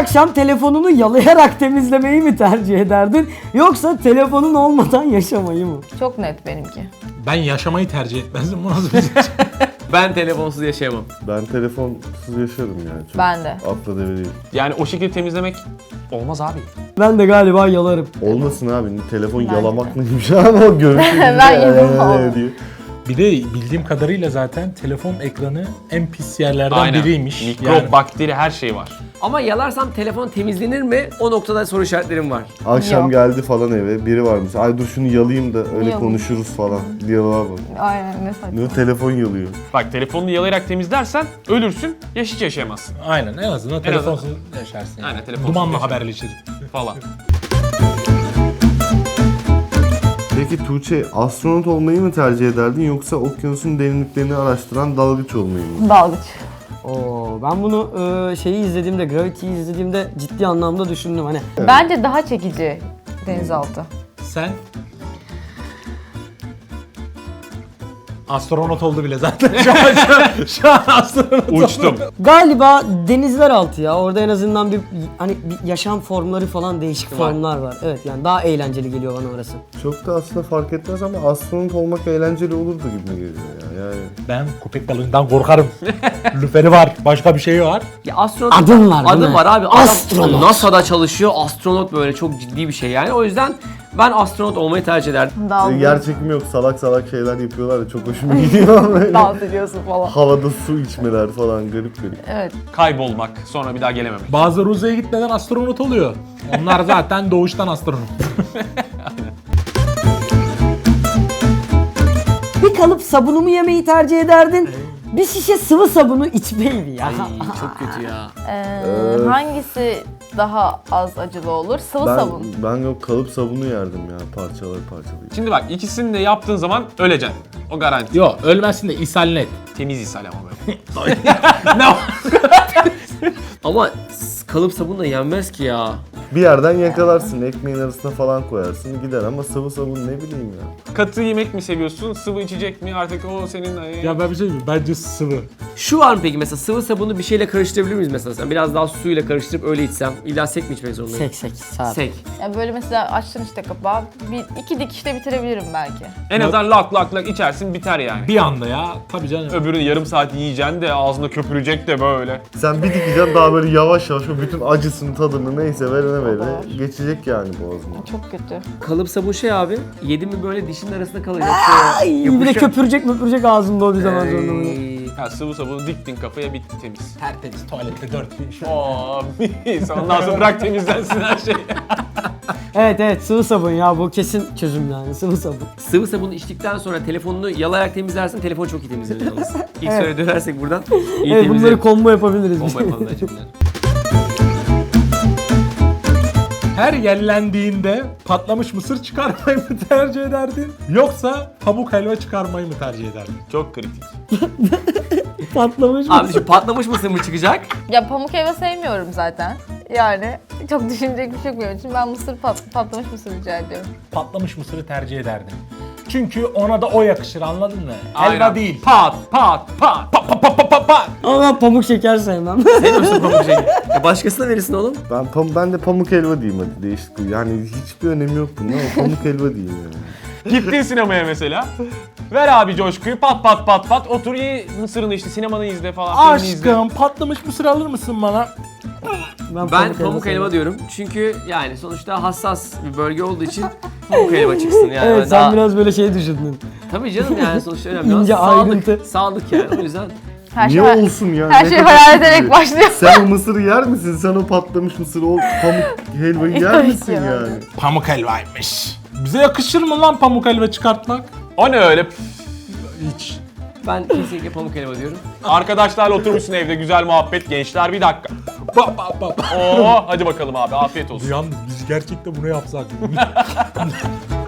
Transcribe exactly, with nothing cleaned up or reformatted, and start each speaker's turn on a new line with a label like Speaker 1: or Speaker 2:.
Speaker 1: akşam telefonunu yalayarak temizlemeyi mi tercih ederdin yoksa telefonun olmadan yaşamayı mı?
Speaker 2: Çok net benimki.
Speaker 3: Ben yaşamayı tercih etmezdim. Bu nasıl bir şey?
Speaker 4: Ben telefonsuz yaşayamam.
Speaker 5: Ben telefonsuz yaşarım yani. Çok
Speaker 2: Ben de.
Speaker 5: Atla deve değil.
Speaker 6: Yani o şekilde temizlemek olmaz abi.
Speaker 1: Ben de galiba yalarım.
Speaker 5: Olmasın abi. Telefon
Speaker 2: Ben
Speaker 5: yalamak neymiş ama o görüntü.
Speaker 2: Ben yapamam.
Speaker 5: diye.
Speaker 3: Bir de bildiğim kadarıyla zaten telefon ekranı en pis yerlerden
Speaker 6: Aynen.
Speaker 3: biriymiş.
Speaker 6: Mikrop,
Speaker 3: Yani
Speaker 6: bakteri her şey var.
Speaker 4: Ama yalarsam telefon temizlenir mi? O noktada soru işaretlerim var.
Speaker 5: Akşam
Speaker 2: Yok.
Speaker 5: geldi falan eve. Biri varmış. Ay dur şunu yalayayım da öyle
Speaker 2: Yok.
Speaker 5: konuşuruz falan. Diyaloğa bak.
Speaker 2: Aynen ne saçma.
Speaker 5: Ne telefon yalıyor.
Speaker 6: Bak telefonunu yalayarak temizlersen ölürsün ya hiç yaşayamazsın
Speaker 3: aynen en azından telefonsuz yaşarsın. Yani.
Speaker 6: Aynen, telefonsuz
Speaker 3: Dumanla
Speaker 6: yaşarsın.
Speaker 3: haberleşir.
Speaker 6: falan.
Speaker 5: Peki Tuğçe astronot olmayı mı tercih ederdin yoksa okyanusun derinliklerini araştıran dalgıç olmayı mı?
Speaker 2: Dalgıç.
Speaker 1: Oo, ben bunu e, şeyi izlediğimde, Gravity'yi izlediğimde ciddi anlamda düşündüm hani.
Speaker 2: Bence daha çekici denizaltı.
Speaker 3: Sen astronot oldu bile zaten. Şu an, şu an, şu an astronot
Speaker 6: Uçtum.
Speaker 3: oldu.
Speaker 1: Galiba denizler altı ya. Orada en azından bir hani bir yaşam formları falan değişik
Speaker 6: Var.
Speaker 1: formlar var. Evet yani daha eğlenceli geliyor bana orası.
Speaker 5: Çok da aslında fark etmez ama astronot olmak eğlenceli olurdu gibi geliyor ya. Yani
Speaker 3: Ben köpek balığından korkarım. Lüferi var, başka bir şey var.
Speaker 4: Ya astronot
Speaker 1: Adım var, değil
Speaker 4: Adım
Speaker 1: mi?
Speaker 4: var abi. Adam
Speaker 1: Astronot.
Speaker 4: NASA'da çalışıyor. Astronot böyle çok ciddi bir şey yani. O yüzden ben astronot olmayı tercih ederdim.
Speaker 2: Dalgıç.
Speaker 5: yer çekimi yok, salak salak şeyler yapıyorlar ya çok hoşuma gidiyor böyle.
Speaker 2: Dans ediyorsun falan.
Speaker 5: Havada su içmeler falan garip garip.
Speaker 2: Evet.
Speaker 6: Kaybolmak, sonra bir daha gelememek.
Speaker 3: Bazıları uzaya gitmeden astronot oluyor. Onlar zaten doğuştan astronot.
Speaker 1: Bir kalıp sabunumu yemeyi tercih ederdin. Bir şişe sıvı sabunu içmeyi mi ya?
Speaker 4: Ay çok kötü ya.
Speaker 2: Ee, hangisi daha az acılı olur? Sıvı
Speaker 5: Ben,
Speaker 2: sabun.
Speaker 5: ben yok kalıp sabunu yerdim ya parçalar parçalayıp.
Speaker 6: Şimdi bak ikisini de yaptığın zaman öleceksin. O garanti.
Speaker 3: Yok ölmezsin de ishal net.
Speaker 6: Temiz ishal ama böyle.
Speaker 4: Ama s- kalıp sabunla yenmez ki ya.
Speaker 5: Bir yerden yakalarsın, ekmeğin arasına falan koyarsın gider ama sıvı sabun ne bileyim ya.
Speaker 6: Katı yemek mi seviyorsun, sıvı içecek mi? Artık o senin...
Speaker 3: Ya ben bir şey diyeyim, bence sıvı.
Speaker 4: Şu var mı peki mesela sıvı sabunu bir şeyle karıştırabilir miyiz mesela? Sen biraz daha suyla karıştırıp öyle içsem. İlla sek mi içmek zorundayım?
Speaker 1: Sek sek saat.
Speaker 4: Sek.
Speaker 2: Ya böyle mesela açtın işte kapağı, bir iki dikişte bitirebilirim belki.
Speaker 6: En azından lak lak lak içersin biter yani.
Speaker 3: Bir anda ya, tabii canım.
Speaker 6: Öbürünü yarım saat yiyeceksin de ağzında köpürecek de böyle.
Speaker 5: Sen bir dikeceksin daha böyle yavaş yavaş o bütün acısını tadını neyse verene verene geçecek yani boğazına.
Speaker 2: Çok kötü.
Speaker 4: Kalıp sabun şey abi. Yedin mi böyle dişin arasında kalacak.
Speaker 1: Ay, bir de
Speaker 4: Yapışıyor.
Speaker 1: köpürecek möpürecek ağzında o bir zaman sonra. bunu.
Speaker 4: Ey.
Speaker 6: Ya sıvı sabunu diktin kafaya bitti temiz.
Speaker 3: Tertemiz tuvalette dört gün şu.
Speaker 6: Oo mis. Ondan sonra bırak temizlensin her şey.
Speaker 1: Evet evet sıvı sabun ya bu kesin çözüm yani sıvı sabun.
Speaker 4: Sıvı sabunu içtikten sonra telefonunu yalayarak temizlersin. Telefon çok iyi temizlenir yalnız. İlk
Speaker 1: Evet.
Speaker 4: soruya dönersek buradan. İyi
Speaker 1: Evet bunları
Speaker 4: temizlenir.
Speaker 1: combo yapabiliriz.
Speaker 4: Bomba yapalım bence bunları.
Speaker 3: Her yerlendiğinde patlamış mısır çıkarmayı mı tercih ederdin? Yoksa pamuk helva çıkarmayı mı tercih ederdin?
Speaker 6: Çok kritik.
Speaker 1: Patlamış mı?
Speaker 4: Abi şu patlamış mısır mı çıkacak?
Speaker 2: Ya pamuk helva sevmiyorum zaten. Yani çok düşünecek bir şey yok benim için. Ben mısır pat, patlamış mısır rica ediyorum.
Speaker 3: Patlamış mısırı tercih ederdin. Çünkü ona da o yakışır, anladın mı?
Speaker 6: Aynen.
Speaker 3: Helva değil.
Speaker 6: Pat pat pat.
Speaker 3: Pa pa pa pa pa pa.
Speaker 1: Ama ben pamuk şeker sevmem.
Speaker 4: Sevmiyorsun pamuk şeyi. Ya başkasına verirsin oğlum.
Speaker 5: Ben pam ben de pamuk helva diyeyim hadi değişik. Yani hiçbir önemi yok bunun ama pamuk helva diyeyim yani.
Speaker 6: Gittin sinemaya mesela. Ver abi coşkuyu pat pat pat pat. Otur ye mısırını işte sinemanı izle falan. filmini izle.
Speaker 3: Aşkım patlamış mısır alır mısın bana?
Speaker 4: Ben
Speaker 1: helva
Speaker 4: pamuk helva
Speaker 1: sevmem.
Speaker 4: diyorum. Çünkü yani sonuçta hassas bir bölge olduğu için pamuk helva çıksın yani.
Speaker 1: Evet
Speaker 4: Ben
Speaker 1: sen
Speaker 4: daha-
Speaker 1: biraz böyle şey düşündün.
Speaker 4: Tabii canım yani sonuçta önemli olan
Speaker 1: İnce
Speaker 4: sağlık.
Speaker 1: ayrıntı.
Speaker 4: Sağlık yani o yüzden.
Speaker 2: Her
Speaker 5: Niye
Speaker 2: şey,
Speaker 5: olsun ya?
Speaker 2: her
Speaker 5: Ne
Speaker 2: şey
Speaker 5: kadar
Speaker 2: hayal
Speaker 5: kötü.
Speaker 2: ederek başlıyor.
Speaker 5: Sen o mısırı yer misin? Sen o patlamış mısırı, o pamuk helvayı yer
Speaker 2: Tabii
Speaker 5: misin
Speaker 2: ki
Speaker 5: yani?
Speaker 2: yani.
Speaker 3: Pamuk helvaymış. Bize yakışır mı lan pamuk helva çıkartmak?
Speaker 6: O ne öyle?
Speaker 3: Hiç.
Speaker 4: Ben kesinlikle pamuk helva diyorum.
Speaker 6: Arkadaşlarla oturmuşsun evde güzel muhabbet. Gençler bir dakika.
Speaker 3: Ba ba ba ba.
Speaker 6: Oo hadi bakalım abi afiyet olsun.
Speaker 3: Yalnız biz gerçekten bunu yapsak.